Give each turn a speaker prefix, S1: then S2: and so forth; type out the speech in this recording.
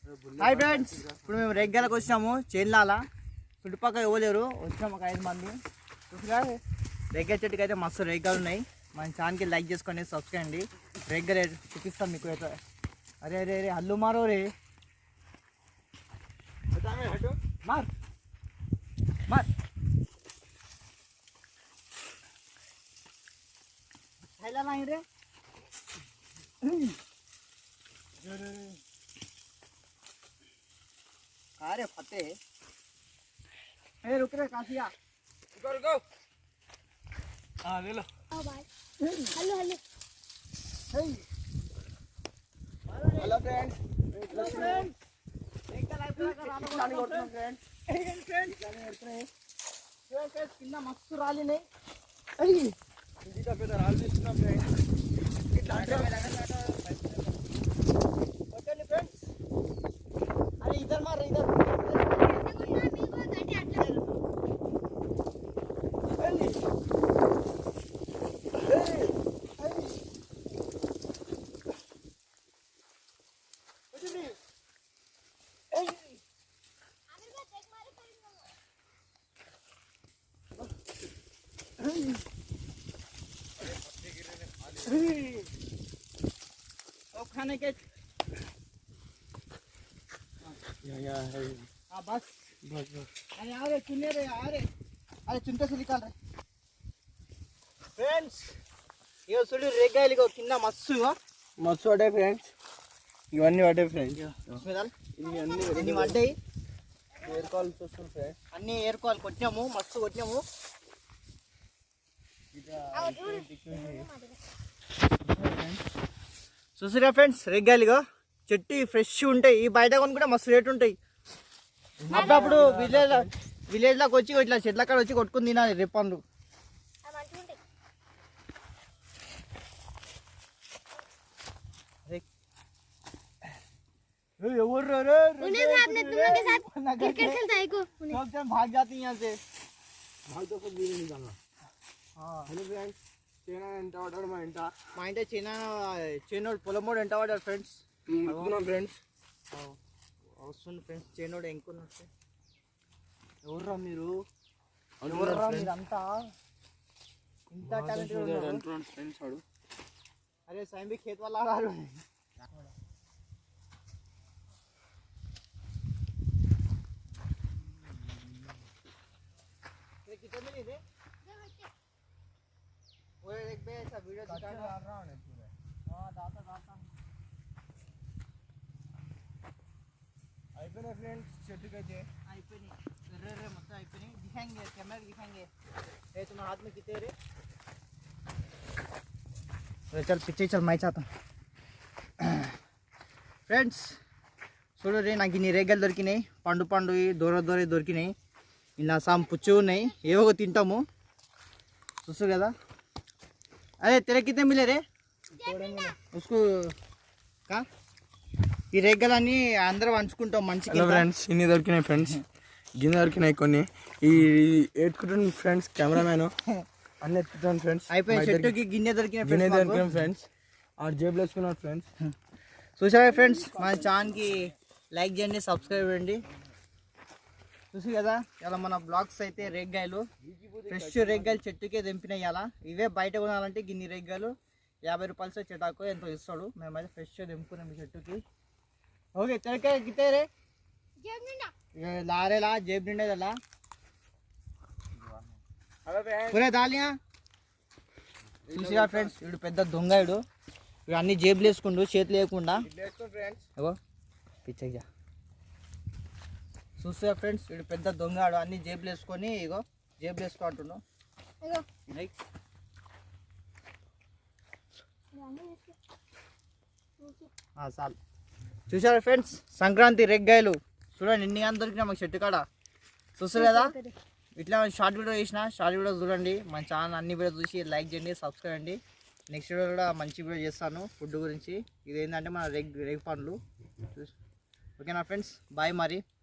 S1: Hi friends, ఇప్పుడు మేము రెగ్గాలకు వచ్చినాము. చేన్లాల చుట్టుపక్కల ఇవ్వలేరు, వచ్చినాము ఒక 5 మంది. చూసిగా రెగ్గా చెట్టుకి అయితే మస్తు రెగ్గాలు ఉన్నాయి. మన ఛానల్కి లైక్ చేసుకోండి, సబ్స్క్రైబ్ అండి. రెగ్గా చూపిస్తాం మీకు అయితే. అరే అరే అరే హల్లు మారో రే మార్ మార్ हैला नहीं रे अरे फते ए रुक रे कासिया रुको हां ले लो आओ भाई हेलो हेलो हेलो फ्रेंड्स एक लाइव करानो चालू करतो फ्रेंड्स जाने करते फ्रेंड्स कितना मस्त राली नहीं अरे इंडिया पे तो राल दिसना फ्रेंड्स कितना में लगा ओके फ्रेंड्स अरे इधर मार इधर खाने के या है हां बस बस अरे आ रे चुने रे आ रे अरे चुनते से निकाल रे फ्रेंड्स ये सुली रेगायलिगो किन्ना मस्सु अडे फ्रेंड्स ఇవన్నీ అడే ఫ్రెండ్స్ స్మెదల్ ఇన్ని అడ్డాయి ఎయిర్ కాల్ చూస్తాం ఫ్రెండ్స్ అన్ని ఎయిర్ కాల్ కొట్టాము మస్తు కొట్టాము చూసారా ఫ్రెండ్స్ రెగ్గాలిగా చెట్టు ఫ్రెష్ ఉంటాయి. ఈ బయట కొన్ని కూడా మస్తు రేటు ఉంటాయి. అప్పుడప్పుడు విలేజ్లోకి వచ్చి ఇట్లా చెట్ల కాడ వచ్చి కొట్టుకుని తినాలి రేపండ్లు. भाग जाती यहाँ से हेलो फ्रेंड्स चेना ఎంత ఆర్డర్ మా ఇంట చేనోడు పొలమోడు ఎంత ఆర్డర్ ఫ్రెండ్స్ ఫ్రెండ్స్ వస్తుంది ఫ్రెండ్స్ చేనోడు ఎంకున్నట్టు ఎవర్రా మీరు ఎవర్రా మీరంతా ఇంత టాలెంట్ ఫ్రెండ్స్ వాడు అరే సాయం भी खेत वाला आ रहा है ये कितने मिली रे वो एक बे ऐसा वीडियो दिखा रहा हूं पूरा हां दाता आईपीने फ्रेंड्स చెట్టు కైతే आईपीने रे मत आईपीने दिखाएंगे कैमरा दिखाएंगे ये तुम्हारे हाथ में कितने रे चल पीछे चल मैं चाहता फ्रेंड्स చూడు రే నాకు ఇన్ని రేగలు దొరికినాయి. పండు దూర దొరికినాయి. ఇలా సాం పుచ్చు ఉన్నాయి. ఏవో తింటాము చూసు కదా. अरे तेरे कितने मिले रे उसको का ఈ రేగలన్నీ అందరూ వంచుకుంటాం మంచిగా.
S2: హలో ఫ్రెండ్స్ ఇన్ని దొరికినాయి ఫ్రెండ్స్, గిన్నె దొరికినాయి కొన్ని. ఈ ఎత్తుకుంటాను ఫ్రెండ్స్ కెమెరామ్యాన్ అన్నీ ఎత్తుకుంటాను ఫ్రెండ్స్.
S1: అయిపోయి చెట్టుకి గిన్నె దొరికినాయి
S2: ఫ్రెండ్స్. ఆ జేబులో వేసుకున్నాను ఫ్రెండ్స్.
S1: చూసారా ఫ్రెండ్స్, మన ఛానల్కి లైక్ చేయండి, సబ్స్క్రైబ్ చేయండి. చూసి కదా ఇలా మన బ్లాగ్స్ అయితే రేగ్గాయలు ఫ్రెష్ రేగ్గాయలు చెట్టుకే తెంపినాయి. ఇలా ఇవే బయట కొనాలంటే గిన్ని రేగ్గాయలు 50 రూపాయలు చెటాకు ఎంతో ఇస్తాడు. మేమైతే ఫ్రెష్ తెంపుకున్నాం ఈ చెట్టుకి. ఓకే తెరకే గితే రే లారేలా జేబు నిండేదలా పూరే దాలియా. చూసిరా ఫ్రెండ్స్, వీడు పెద్ద దొంగ. వీడు అన్ని జేబులు వేసుకుండు, చేతులు లేకుండా. పిచ్చగా చూసా ఫ్రెండ్స్, వీడు పెద్ద దొంగడు. అన్ని జేబులు వేసుకొని ఇగో జేబులు వేసుకో అంటున్నావు. చాలు. చూసారా ఫ్రెండ్స్, సంక్రాంతి రెగ్గాయలు చూడండి ఎన్ని కానీ దొరికినా మాకు చెట్టు కాడ. చూస్తారు కదా, ఇట్లా షార్ట్ వీడియో చేసిన షార్ట్ వీడియో చూడండి. మన ఛానల్ అన్ని వీడియో చూసి లైక్ చేయండి, సబ్స్క్రైబ్ అండి. నెక్స్ట్ వీడియో కూడా మంచి వీడియో చేస్తాను ఫుడ్ గురించి. ఇదేంటంటే మన రేగు పండ్లు. ఓకేనా ఫ్రెండ్స్, బాయ్ మరి.